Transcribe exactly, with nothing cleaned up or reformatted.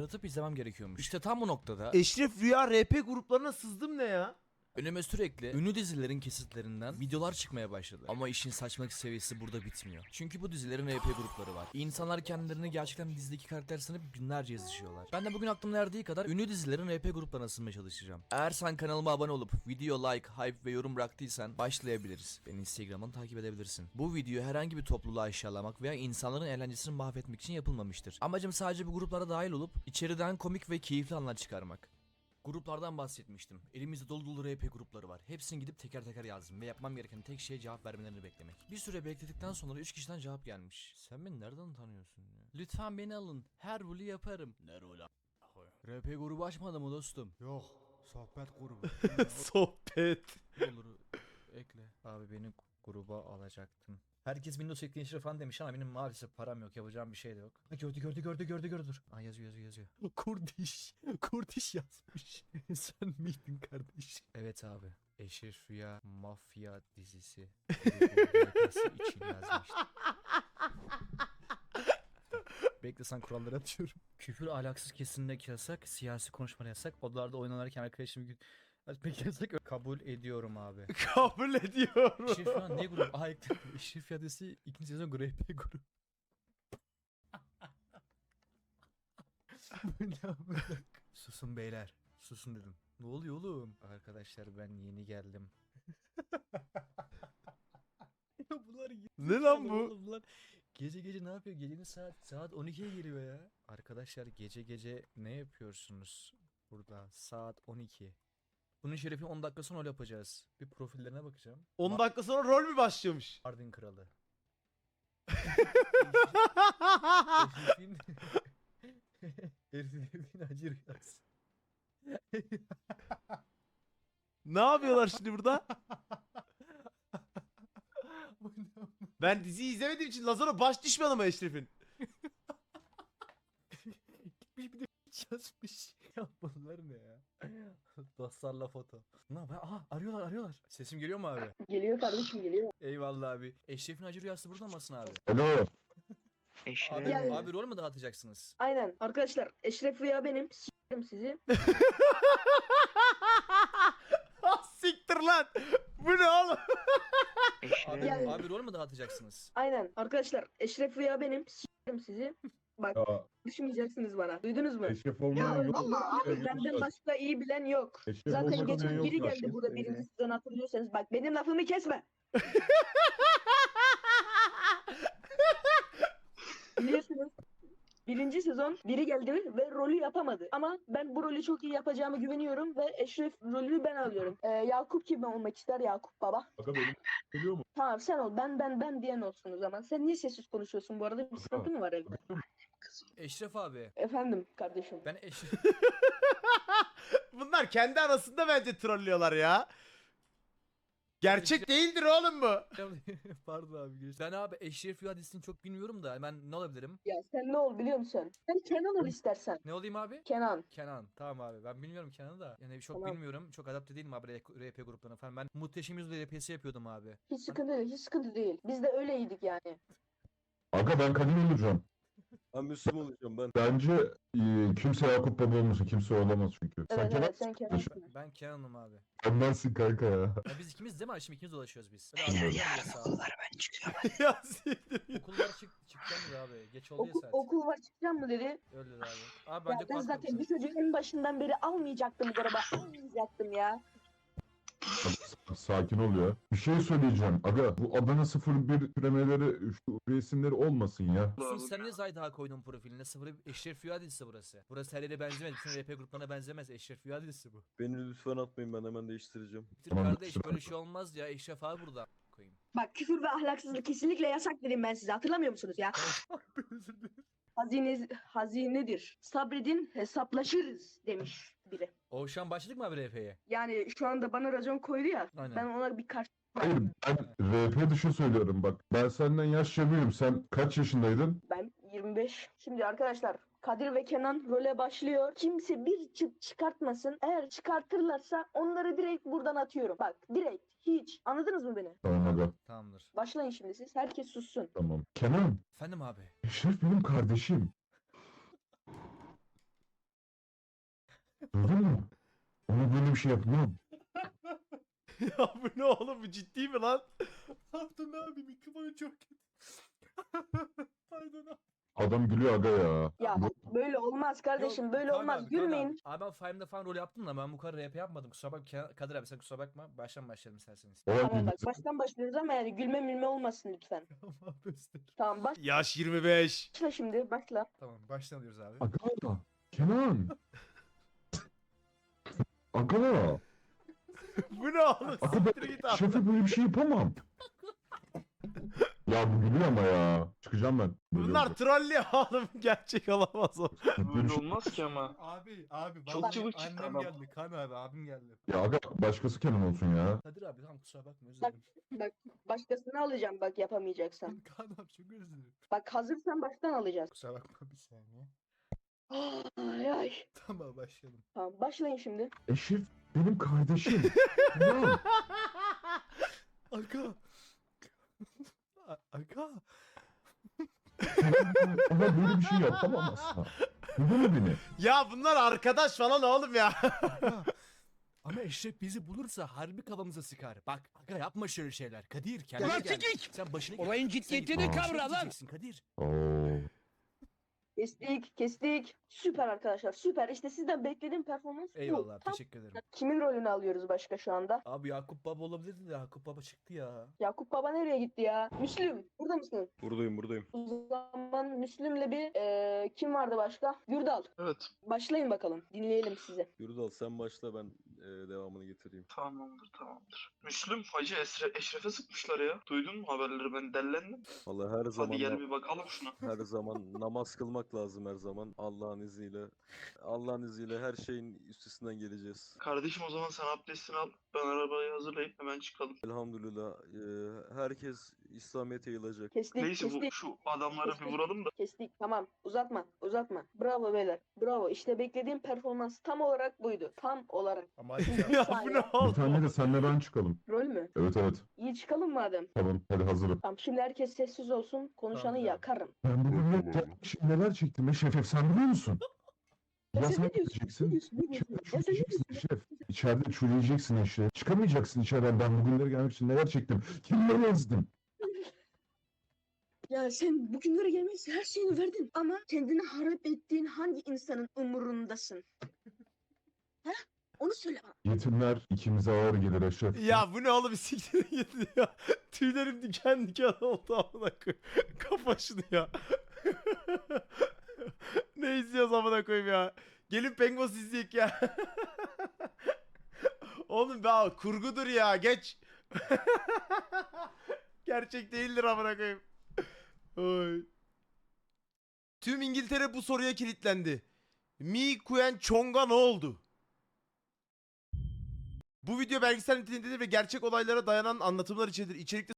tıklatıp izlemem gerekiyormuş. İşte tam bu noktada Eşref Rüya R P gruplarına sızdım ne ya? önüme sürekli ünlü dizilerin kesitlerinden videolar çıkmaya başladı. Ama işin saçmalık seviyesi burada bitmiyor. Çünkü bu dizilerin R P grupları var. İnsanlar kendilerini gerçekten dizideki karakter sanıp binlerce yazışıyorlar. Ben de bugün aklımın erdiği kadar ünlü dizilerin R P gruplarına sızmaya çalışacağım. Eğer sen kanalıma abone olup video like, hype ve yorum bıraktıysan başlayabiliriz. Beni Instagram'dan takip edebilirsin. Bu video herhangi bir topluluğu aşağılamak veya insanların eğlencesini mahvetmek için yapılmamıştır. Amacım sadece bu gruplara dahil olup içeriden komik ve keyifli anlar çıkarmak. Gruplardan bahsetmiştim. Elimizde dolu dolu R P grupları var. Hepsini gidip teker teker yazdım ve yapmam gereken tek şey cevap vermelerini beklemek. Bir süre bekledikten sonra üç kişiden cevap gelmiş. Sen beni nereden tanıyorsun ya? Lütfen beni alın. Her rolü yaparım. Ne rolü R P grubu açmadı mı dostum? Yok, sohbet grubu. Sohbet. Olur ekle. Abi beni gruba alacaktın. Herkes Windows ekleyin falan demiş ama benim maalesef param yok, yapacağım bir şey de yok. Ha, gördü gördü gördü gördü gördü dur. Aa, yazıyor yazıyor yazıyor. Kurdiş. Kurdiş yazmış. Sen miydin kardeş? Evet abi. Eşref Rüya Mafya dizisi grubu için yazmıştım. Bekle sen kuralları atıyorum. Küfür ahlaksız kesinlikle yasak, siyasi konuşma yasak, odalarda oynanırken arkadaşım gün Peki yasak kabul ediyorum abi. Kabul ediyorum. Eşref Rüya ne grup? Aa ekledim. Eşref Rüya dizisi ikinci sezon R P grubu. Susun beyler. Susun dedim. Ne oluyor oğlum? Arkadaşlar ben yeni geldim. Ya bunlar Ne lan bu? oğlum, bunlar gece gece ne yapıyor? Gecenin saat saat on ikiye geliyor ya. Arkadaşlar gece gece ne yapıyorsunuz burada? Saat on iki. Bunun şerefini on dakika sonra öyle yapacağız. Bir profillerine bakacağım. on dakika sonra rol mü başlamış? Mardin kralı. Eşref'in Eşref'in acı rüyası. Ne yapıyorlar şimdi burada? Ben diziyi izlemediğim için Lazaro baş düşmanı mı Eşref'in? Gitmiş bir de yazmış. Ya bunlar ne ya? Dostlarla foto. Ne yapıyor? Aha arıyorlar arıyorlar. Sesim geliyor mu abi? Geliyor kardeşim geliyor. Eyvallah abi. Eşref'in acı rüyası burada mısın abi? Alo. Abi, Gel. abi rol mü dağıtacaksınız? Aynen. Arkadaşlar Eşref Rüya benim. S**erim sizi. Ah siktir lan. Bu ne oğlum? Abi, Gel. abi rol mü dağıtacaksınız? Aynen. Arkadaşlar Eşref Rüya benim. S**erim sizi. Bak Ya düşmeyeceksiniz bana. Duydunuz mu? eşref olmayan yok. Abi benden başka iyi bilen yok. Eşref Zaten olmayan geçen yok biri zaten. geldi burada birinci sezon hatırlıyorsanız. Bak benim lafımı kesme. Biliyorsunuz. Birinci sezon biri geldi ve rolü yapamadı. Ama ben bu rolü çok iyi yapacağımı güveniyorum ve Eşref rolünü ben alıyorum. Ee, Yakup kim olmak ister Yakup baba? Aga benim geliyor mu? Tamam sen ol. Ben ben ben diyen olsun o zaman. Sen niye sessiz konuşuyorsun bu arada? Bir sıkıntı mı var evde? Eşref abi. Efendim kardeşim. Ben Eşref... Bunlar kendi arasında bence trollüyorlar ya. Gerçek değildir oğlum bu. Pardon abi. geç- Ben abi Eşref Rüya dizisini çok bilmiyorum da ben ne olabilirim? Ya sen ne ol biliyor musun? Sen Kenan ol istersen. Ne olayım abi? Kenan. Kenan. Tamam abi. Ben bilmiyorum Kenan'ı da. Yani çok Tamam. bilmiyorum. Çok adapte değilim abi R P gruplarına falan. Ben Muhteşem Yüzyıl R P'si yapıyordum abi. Hiç sıkıntı değil. Hiç sıkıntı değil. Biz de öyleydik yani. Aga ben kadın olacağım. Ben Müslüman olacağım ben. Bence e, kimse Yakup Baba olmasın. Kimse olamaz çünkü. Evet Sen Kenan evet sen Kenan'sın. Ben, ben Kenan'ım abi. Kenan'sın kanka ya. Ya biz ikimiz değil mi? Şimdi ikimiz dolaşıyoruz biz. Böyle Evet. yarın okullar ben çıkıyorum. Ya siktir. Okullar çık çıkacağım ya abi. Geç oldu ya Okul, saat. okul var çıkacağım mı dedi. Öyle dedi abi. Abi Ya bence ben kulak zaten kapısı. bir çocuğu en başından beri almayacaktım bu araba. Almayacaktım ya. S- Sakin ol ya. Bir şey söyleyeceğim. Aga bu Adana sıfır bir türemeleri şu resimleri olmasın ya. Sus, sen niye Zayda koydun profiline? Sıfır Eşref Rüya dizisi burası. Burası her yere benzemez. Bütün R P gruplarına benzemez. Eşref Rüya dizisi bu. Beni lütfen atmayın, ben hemen değiştireceğim. Bitir Tamam, kardeş, kusura böyle şey olmaz ya. Eşref abi burada koyayım. Bak küfür ve ahlaksızlık kesinlikle yasak dedim ben size. Hatırlamıyor musunuz ya? Özür dilerim. Hazine, hazinedir. Sabredin hesaplaşırız demiş biri. O şu an başladık mı abi R P'ye? Yani şu anda bana racon koydu ya. Aynen. Ben ona bir karşı... Hayır ben R P dışı söylüyorum bak. Ben senden yaşça büyüğüm. Sen kaç yaşındaydın? Ben yirmi beş. Şimdi arkadaşlar Kadir ve Kenan role başlıyor. Kimse bir çıt çıkartmasın. Eğer çıkartırlarsa onları direkt buradan atıyorum. Bak direkt hiç. Anladınız mı beni? Tamam aga. Tamamdır. Başlayın şimdi siz. Herkes sussun. Tamam. Kenan. Efendim abi. Eşref benim kardeşim. Duydun mu? Ona böyle bir şey yapmam. Ya bu ne oğlum, bu ciddi mi lan? Pardon abi mikrofonu çok kötü. Pardon abi. Adam gülüyor aga ya. Ya bak, böyle olmaz kardeşim, Yok, böyle Kaan olmaz. abi, Kaan Gülmeyin. Abi. abi ben Five'da falan rol yaptım da ben bu kadar rap yapmadım. Kusura bakma Kadir abi, sen kusura bakma. Baştan başlayalım isterseniz. Olay Tamam bak, bilgisi- baştan başlıyoruz ama yani gülme milme olmasın lütfen. Tamam göster. Tamam Yaş yirmi beş. başla şimdi, başla. Tamam baştan alıyoruz abi. Aga. Kenan. Aga. Bu ne oğlum? Aga Siktir ben git abi. şefe böyle bir şey yapamam. Ya bu gülüyor ama ya. Çıkacağım ben. Böyle Bunlar olacak. trollüyor oğlum. Gerçek olamaz o. Böyle bir Böyle şey- olmaz ki ama. Abi abi Çok vallahi çabuk çıktı annem adam. geldi. Kan abi abim geldi. Ya aga başkası Kenan olsun ya. Kadir abi tamam kusura bakma özür Bak, dilerim. bak başkasını alacağım bak yapamayacaksan. Kan abi çok özür dilerim. Bak hazırsan baştan alacağız. Kusura bakma bir saniye. Ay ay. Tamam başlayalım. Tamam başlayın şimdi. Eşref benim kardeşim. Kenan. Aga. A- Aga. Ona böyle bir şey yapamam asla. Duydun mu beni? Ya bunlar arkadaş falan oğlum ya. Aga. Ama Eşref bizi bulursa harbi kafamıza sıkar. Bak aga yapma şöyle şeyler. Kadir kendine Ulan gel. sikik! Sen başını Olayın Sen ciddiyetini git- kavra lan! Diyeceksin Kadir. Oo. Kestik kestik. Süper arkadaşlar, süper. İşte sizden beklediğim performans bu. Eyvallah abi, Tam- teşekkür ederim. Kimin rolünü alıyoruz başka şu anda? Abi Yakup Baba olabilirdi de Yakup Baba çıktı ya. Yakup Baba nereye gitti ya? Müslüm burada mısın? Buradayım buradayım. O zaman Müslüm'le bir eee, kim vardı başka? Gürdal. Evet. Başlayın bakalım. Dinleyelim sizi. Yurdal sen başla, ben e, devamını getireyim. Tamamdır tamamdır. Müslüm Hacı Esre, Eşref'e sıkmışlar ya. Duydun mu haberleri, ben dellendim. Vallahi her zaman Hadi gel na- bir bakalım şuna. her zaman namaz kılmak lazım her zaman. Allah'ın izniyle. Allah'ın izniyle her şeyin üstesinden geleceğiz. Kardeşim o zaman sen abdestini al. Ben arabayı hazırlayıp hemen çıkalım. Elhamdülillah e, herkes İslamiyet'e yayılacak. Kestik Neyse bu kestik. şu adamları bir vuralım da. Kestik. Tamam. Uzatma. Uzatma. Bravo beyler. Bravo. İşte beklediğim performans tam olarak buydu. Tam olarak. Ama hadi Bir Ya bu saniye. ne Bir oğlum? tane de senle ben çıkalım. Rol mü? Evet evet. İyi çıkalım madem. Tamam hadi hazırım. Tamam şimdi herkes sessiz olsun. Konuşanı Tamam, tamam. yakarım. Ben bugün ne kardeşim neler çektim Eşref sen biliyor musun? Ya sen sen ne diyorsun? Ne gideceksin. diyorsun? Ne diyorsun? İçeride Ya sen ne çürüyeceksin diyorsun? Eşref. İçeride çürüyeceksin Eşref. Çıkamayacaksın içeriden. Ben bugünlere gelmek için neler çektim. Kimleri ezdim. Ya sen bugünlere gelmek için her şeyini verdin. Ama kendini harap ettiğin hangi insanın umurundasın? Ha? Onu söyle bana. Yetimler ikimize ağır gelir Eşref. Ya bu ne oğlum, siktir git ya. Tüylerim diken diken oldu amına koyayım. Kafa şunu ya. Ne izliyoruz amına koyayım ya. Gelin Pengos izleyek ya. Oğlum be kurgudur ya, geç. Gerçek değildir amına koyayım. Oy. Tüm İngiltere bu soruya kilitlendi. Mi Kuen Chong'a ne oldu? Bu video belgesel niteliğindedir ve gerçek olaylara dayanan anlatımlar içerir. İçerikte